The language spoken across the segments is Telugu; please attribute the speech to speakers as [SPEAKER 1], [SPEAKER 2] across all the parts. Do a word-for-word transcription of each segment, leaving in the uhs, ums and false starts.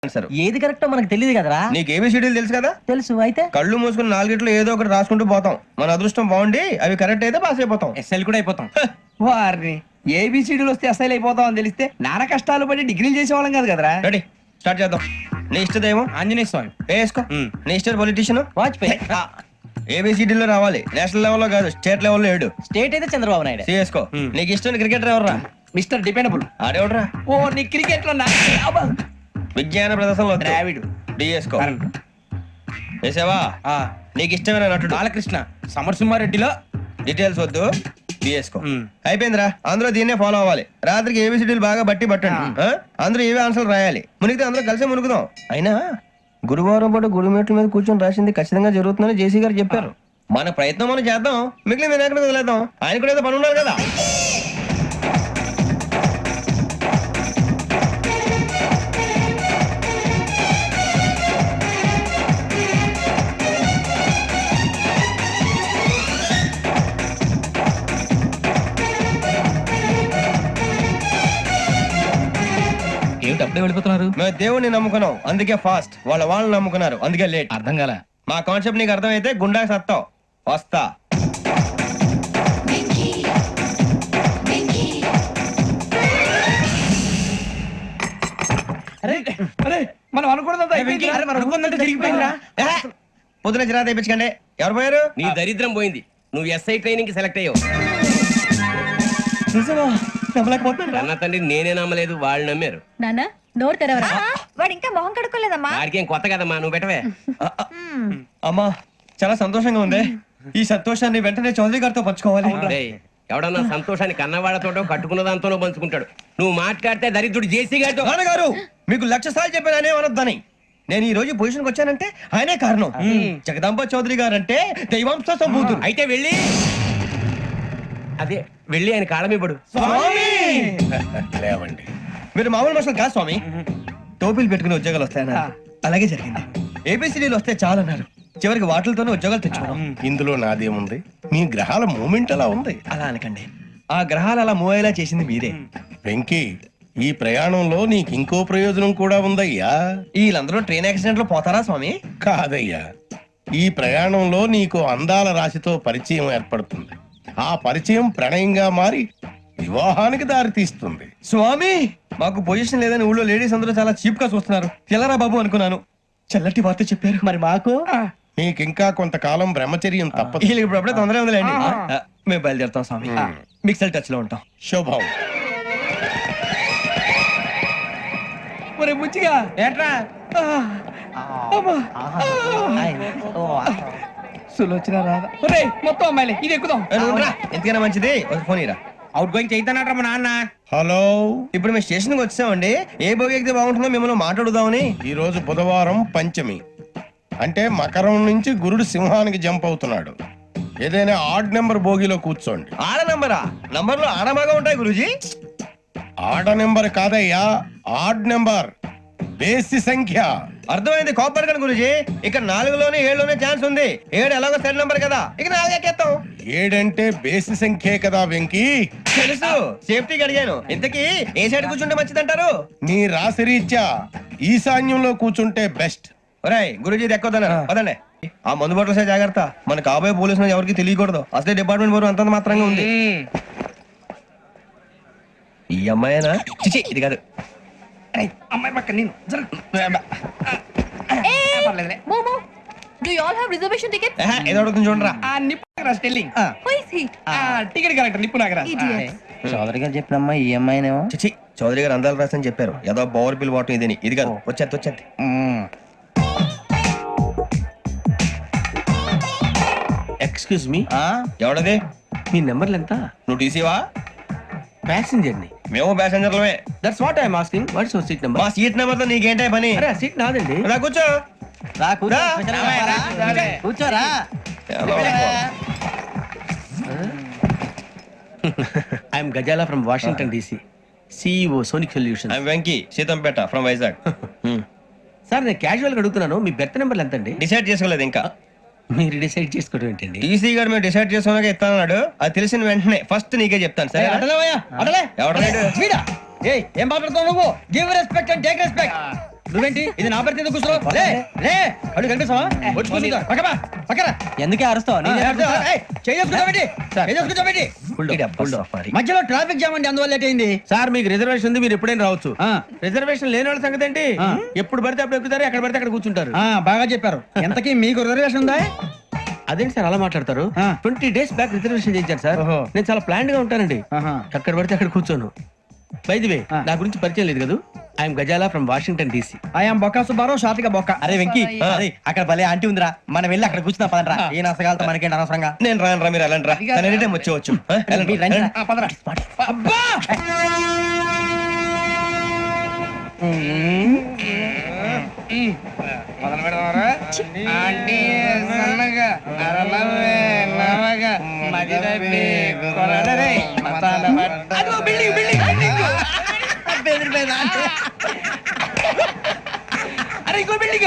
[SPEAKER 1] సార్
[SPEAKER 2] ఏది కరెక్టో మనకు తెలియదు కదరా.
[SPEAKER 1] నీకు ఏబిసిడీలు తెలుసు కదా?
[SPEAKER 2] తెలుసు. అయితే
[SPEAKER 1] కళ్ళు మూసుకుని నాలుగిట్లో ఏదో ఒకటి రాసుకుంటూ పోతాం. మన అదృష్టం బాగుండి అవి కరెక్ట్ అయితే పాస్ అయిపోతాం.
[SPEAKER 3] ఎస్ఎల్ కూడా అయిపోతాం. వారిని ఏబిసిడీలు వస్తే ఎస్ఐలు అయిపోతాం అని తెలిస్తే నాన్న కష్టాలు పడి డిగ్రీలు చేసేవాళ్ళం కాదు కదరా.
[SPEAKER 1] రెడీ, స్టార్ట్ చేద్దాం. నీ ఇష్టదేమో
[SPEAKER 3] ఆంజనేయ స్వామి.
[SPEAKER 1] వేసుకో. నీ ఇష్ట పొలిటీషియన్
[SPEAKER 2] వాజ్పేయి.
[SPEAKER 1] ఏబిసిడీలో రావాలి, నేషనల్ లెవెల్లో కాదు, స్టేట్ లెవెల్లో ఏడు.
[SPEAKER 2] స్టేట్ అయితే చంద్రబాబు నాయుడు.
[SPEAKER 1] సిఎస్కో. నీకు ఇష్టం క్రికెటర్ ఎవర్రా?
[SPEAKER 3] Mister dependable.
[SPEAKER 1] ఆడేవడరా?
[SPEAKER 3] ఓ నీ క్రికెట్ లో
[SPEAKER 1] విజ్ఞాన ప్రదర్శనలో
[SPEAKER 3] ద్రావిడు.
[SPEAKER 1] డిఎస్కో. వేసావా? నీకు ఇష్టమైన నటుడు?
[SPEAKER 3] బాలకృష్ణ. సమర్సింహారెడ్డిలో
[SPEAKER 1] డీటెయిల్స్ వద్దు, బిఎస్కో. అయిపోయిందిరా, అందరూ దీన్నే ఫాలో అవ్వాలి. రాత్రికి ఏబిసిడీలు బాగా బట్టి పట్టండి. ఆ? అందరూ ఏవే ఆన్సర్లు రాయాలి. మునిగితే అందరూ కలిసే మునుగుదాం. అయినా గురువారం పాటు గురుమేట్ల మీద కూర్చొని రాసింది ఖచ్చితంగా జరుగుతుందని జేసీ గారు చెప్పారు. మన ప్రయత్నం మనం చేద్దాం, మిగిలిన నేను ఎక్కడ వదిలేద్దాం. ఆయన కూడా ఏదో పని ఉన్నారు కదా.
[SPEAKER 2] ఏమిటి అప్పుడే వెళ్ళిపోతున్నారు?
[SPEAKER 1] మేము దేవుడిని నమ్ముకున్నాం, అందుకే ఫాస్ట్. వాళ్ళ వాళ్ళని నమ్ముకున్నారు, అందుకే లేట్.
[SPEAKER 2] అర్థం కాల.
[SPEAKER 1] మా కాన్సెప్ట్ నీకు అర్థమైతే గుండా సత్తావు. వస్తా.
[SPEAKER 3] అరే అరే మనం అనుకున్నదంతా జరిగిపోయిందిరా.
[SPEAKER 1] పొద్దున చిరా తెప్పించకండి. ఎవరు పోయారు?
[SPEAKER 4] నీ దరిద్రం పోయింది. నువ్వు ఎస్ఐ ట్రైనింగ్ కి సెలెక్ట్ అయ్యావు. అన్న తండ్రి నేనే నమ్మలేదు, వాళ్ళు నమ్మారు.
[SPEAKER 5] నానా నోరు తెరవరా. వాడు ఇంకా మొహం కడుక్కోలేదమ్మా.
[SPEAKER 4] వాడికి ఏం కొత్త కదమ్మా, నువ్వు పెట్టవే.
[SPEAKER 1] అమ్మా చాలా సంతోషంగా ఉంది. ఈ సంతోషాన్ని వెంటనే చౌదరి గారితో పంచుకోవాలి.
[SPEAKER 4] డేయ్, ఎవడన్నా సంతోషాన్ని కన్నవాళ్లతోటో కట్టుకున్న దాంతోనో పంచుకుంటాడు. నువ్వు మాట్లాడితే దరిద్రుడు జేసీ గారితో.
[SPEAKER 1] నాన్నగారు మీకు లక్ష సార్లు చెప్పాను ఆయనే అనొద్దని. నేను ఈ రోజు పొజిషన్కి వచ్చానంటే ఆయనే కారణం. జగదాంబ చౌదరి గారు అంటే దైవాంశ సంభూతుడు.
[SPEAKER 4] అయితే వెళ్ళి అదే వెళ్ళి ఆయన కాళ్ళమివ్వడు.
[SPEAKER 1] లేవండి, మీరు మామూలు మనుషులు కాదు స్వామి. టోపీలు పెట్టుకుని ఉద్యోగాలు వస్తాయన్నారు, అలాగే జరిగింది. ఏబిసిడీలు వస్తే చాలన్నారు, చివరికి వాటిలతోనే ఉద్యోగాలు తెచ్చుకున్నాం.
[SPEAKER 6] ఇందులో నాదేముంది? మీ గ్రహాల మూమెంట్ అలా ఉంది.
[SPEAKER 1] అలా అనకండి, ఆ గ్రహాలు అలా మూవ్ అయ్యేలా చేసింది మీరే.
[SPEAKER 6] వెంకీ, ఈ ప్రయాణంలో నీకు ఇంకో ప్రయోజనం కూడా ఉందయ్యా.
[SPEAKER 1] వీళ్ళందరూ ట్రైన్ యాక్సిడెంట్ లో పోతారా స్వామి?
[SPEAKER 6] కాదయ్యా, ఈ ప్రయాణంలో నీకు అందాల రాశితో పరిచయం ఏర్పడుతుంది. ఆ పరిచయం ప్రణయంగా మారి వివాహానికి దారి తీస్తుంది.
[SPEAKER 1] స్వామి మాకు పొజిషన్ లేదని ఊళ్ళో లేడీస్ అందరూ చాలా చీప్ గా చూస్తున్నారు. తెల్లరా బాబు అనుకున్నాను, చల్లటి వార్త చెప్పారు.
[SPEAKER 2] మరి మాకు
[SPEAKER 6] నీకింకా కొంతకాలం బ్రహ్మచర్యం తప్పదు.
[SPEAKER 1] వీళ్ళకి ఇప్పుడు అప్పుడే తొందరగా ఉందిలేండి. ఆ, మేము బయలుదేరుతాం స్వామి. మిక్సెల్ టచ్ లో ఉంటాం.
[SPEAKER 6] శుభం.
[SPEAKER 3] ఒరే బుచ్చిగా
[SPEAKER 4] ఏట్రా
[SPEAKER 3] సులోచన రాదా? ఒరే మొత్తం అమ్మాయిలే, ఇది ఎక్కుదాం.
[SPEAKER 1] ఏ, నువ్వు రా. ఎందుకైనా మంచిది ఒక ఫోన్ ఇరా.
[SPEAKER 4] అవుట్ గోయింగ్ చేద్దానట్రా మా నాన్న.
[SPEAKER 6] హలో,
[SPEAKER 1] ఇప్పుడు మేము స్టేషన్ కి వచ్చామండి. ఏ బోగి ఎక్కితే బాగుంటుందో మిమ్మల్ని మాట్లాడుదామని.
[SPEAKER 6] ఈ రోజు బుధవారం పంచమి, అంటే మకరం నుంచి గురుడు సింహానికి జంప్ అవుతున్నాడు. ఏదైనా ఆడ్ నెంబర్ బోగిలో కూర్చోండి.
[SPEAKER 1] ఆడ నంబరా? నంబర్లు ఆడమాగా ఉంటాయి గురూజీ.
[SPEAKER 6] ఆడ నెంబర్ కాదయ్యా, ఆడ్ నెంబర్, బేసి సంఖ్య.
[SPEAKER 1] అర్థమైంది, కాపర్ కానీ గురూజీ. ఇక్కడ నాలుగులోనే ఏడులోనే ఛాన్స్ ఉంది. ఏడు ఎలాగో సెడ్ నంబర్ కదా, ఇక నాలుగు ఎక్కేస్తాం.
[SPEAKER 6] ఏడంటే బేసి సంఖ్యే కదా వెంకీ.
[SPEAKER 1] తెలుసు, సేఫ్టీకి అడిగాను. ఇంతకీ ఏ సైడ్ కూర్చుంటే మంచిదంటారు?
[SPEAKER 6] నీ రాశి రీత్యా ఈశాన్యంలో కూర్చుంటే బెస్ట్.
[SPEAKER 1] ఒరేయ్ గురూజీ దెక్కొద్దన్నారు పదండి. ఆ మందు బట్టలసే జాగ్రత్త, మన కాబోయే పోలీసులు ఎవరికి తెలియకూడదు. అసలే డిపార్ట్మెంట్ బోరు అంతంత మాత్రంగా ఉంది. ఈ అమ్మాయినా? చిచి, ఇది కాదు.
[SPEAKER 3] అమ్మాయి పక్క నేను
[SPEAKER 5] మోమో do you all have reservation ticket?
[SPEAKER 1] ఏహే, ఏదో అడుగుతుంది చూడరా.
[SPEAKER 3] ఆ నిప్పు Nagaraj telling.
[SPEAKER 5] Who is he?
[SPEAKER 3] ఆ టికెట్ కలెక్టర్ నిప్పు నాగరాజ్.
[SPEAKER 5] ఇడియట్.
[SPEAKER 2] చౌదరి గారు చెప్పినమ్మా ఈ అమ్మాయినేమో.
[SPEAKER 1] చిచి, చౌదరి గారు అందాలు రాసని చెప్పారు. ఏదో బోర్ బిల్ వాటం ఇదని. ఇది కాదు, వచ్చేది వచ్చేది.
[SPEAKER 4] Excuse me,
[SPEAKER 1] ఎవడది?
[SPEAKER 4] మీ నెంబర్లు ఎంత?
[SPEAKER 1] నువ్వు టీసీవా?
[SPEAKER 4] ప్యాసింజర్ ని.
[SPEAKER 1] మేము ప్యాసెంజర్లమే.
[SPEAKER 4] That's what I'm asking. What's your seat number?
[SPEAKER 1] మా సీట్ నెంబర్ తో నీకేంటే పని?
[SPEAKER 4] అరే ఆ సీట్ నాదండి.
[SPEAKER 1] రా కూర్చో.
[SPEAKER 2] రా కూర్చో.
[SPEAKER 1] రా.
[SPEAKER 2] కూర్చోరా.
[SPEAKER 4] I'm Gazala from Washington DC, CEO Sonic solution.
[SPEAKER 1] I'm Venky, Seethampeta from Vizag.
[SPEAKER 4] Sir నేను క్యాజువల్ గా అడుగుతున్నాను, మీ బెర్త్ నెంబర్లు ఎంత అండి?
[SPEAKER 1] డిసైడ్ చేసుకోలేదు ఇంకా.
[SPEAKER 4] మీరు డిసైడ్ చేసుకోవడం ఏంటండి?
[SPEAKER 1] టీసీ గారు మేము డిసైడ్ చేసుకున్నాక ఇస్తానన్నాడు. అది తెలిసిన వెంటనే ఫస్ట్ నీకే చెప్తాను. సరే ఎవరు?
[SPEAKER 2] ఏయ్ ఏం మాట్లాడుతావు నువ్వు? Give respect and take respect.
[SPEAKER 3] నువ్వేంటి ఇది నా పరిస్థితి ఎందుకు కూర్చున్నావు? లే లే అడుగు కనిపిస్తావా? వచ్చి కూర్చుంటా. పక్కపా, పక్కరా.
[SPEAKER 2] ఎందుకే అరుస్తావు
[SPEAKER 3] ఆ, ఏయ్, చేయి చేసుకుంటావేంటి? చేయి చేసుకుంటావేంటి? మధ్యలో ట్రాఫిక్ జామ్ అండి, అందువల్ల లేట్ అయింది.
[SPEAKER 1] సార్ మీకు రిజర్వేషన్ ఉంది, మీరు ఎప్పుడైనా రావచ్చు.
[SPEAKER 3] ఆ.
[SPEAKER 1] రిజర్వేషన్ లేని వాళ్ళ సంగతి ఏంటి?
[SPEAKER 3] ఆ.
[SPEAKER 1] ఎప్పుడు పడితే అప్పుడు ఎక్కుతారు, ఎక్కడ పడితే అక్కడ కూర్చుంటారు.
[SPEAKER 3] ఆ, బాగా చెప్పారు. ఎంతకీ మీకు రిజర్వేషన్ ఉందా?
[SPEAKER 1] అదేంటి సార్ అలా మాట్లాడతారు?
[SPEAKER 3] ఆ.
[SPEAKER 1] ట్వంటీ డేస్ బ్యాక్ రిజర్వేషన్ చేయించారు సార్.
[SPEAKER 3] ఓహో.
[SPEAKER 1] నేను చాలా ప్లాన్డ్ గా ఉంటానండి.
[SPEAKER 3] ఆహా.
[SPEAKER 1] ఎక్కడ పడితే అక్కడ కూర్చోను. బై ది వే,
[SPEAKER 3] ఆ.
[SPEAKER 1] నా గురించి పరిచయం లేదు కదా. I'm Gazala from Washington DC.
[SPEAKER 3] I'm Bokka Subbarao, షాతిక బొక్క.
[SPEAKER 2] అరే వెంకీ అరే అక్కడ భలే ఆంటీ ఉందిరా, మనం వెళ్ళి అక్కడ కూర్చున్నా పదరా. ఏ నసగాలతో మనకేంటి అనవసరంగా.
[SPEAKER 1] నేను రాను రా, మీరు వెళ్ళండి రా. తను ఎనీ టైం వచ్చేవచ్చు. ఆ, వెళ్ళండి,
[SPEAKER 2] మీరు రండి.
[SPEAKER 1] వెళ్ళండి.
[SPEAKER 3] ఆ, పదరా. అబ్బా! మొదలు పెడదామరా? ఆంటీ సన్నగా, అరలవే, నవగా, మది తప్పి, కొరడరే, మతాల పట్ట. అదిగో బిల్డింగ్, బిల్డింగ్, బిల్డింగ్. అరే ఇంకో బిల్డింగ్.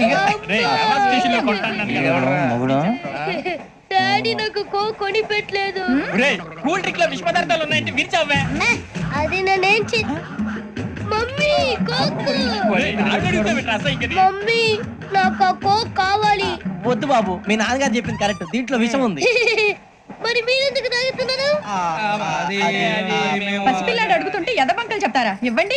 [SPEAKER 2] మొగుడు
[SPEAKER 5] డాడీ నాకు కో కొని పెట్టలేదు.
[SPEAKER 3] కూల్ డ్రింక్ లో విష పదార్థాలు ఉన్నాయంటే విరిచావే.
[SPEAKER 5] అది నేనేం చే మమ్మీ కోక్. మమ్మీ నాకు ఆ కోక్ కావాలి.
[SPEAKER 2] వద్దు బాబు, మీ నాన్నగారు చెప్పింది కరెక్ట్, దీంట్లో విషయం ఉంది.
[SPEAKER 5] మరి మీరెందుకు తాగుతున్నారు?
[SPEAKER 2] ఆ, అది-
[SPEAKER 7] పసిపిల్లాడు అడుగుతుంటే ఎదబంకలు చెప్తారా? ఇవ్వండి.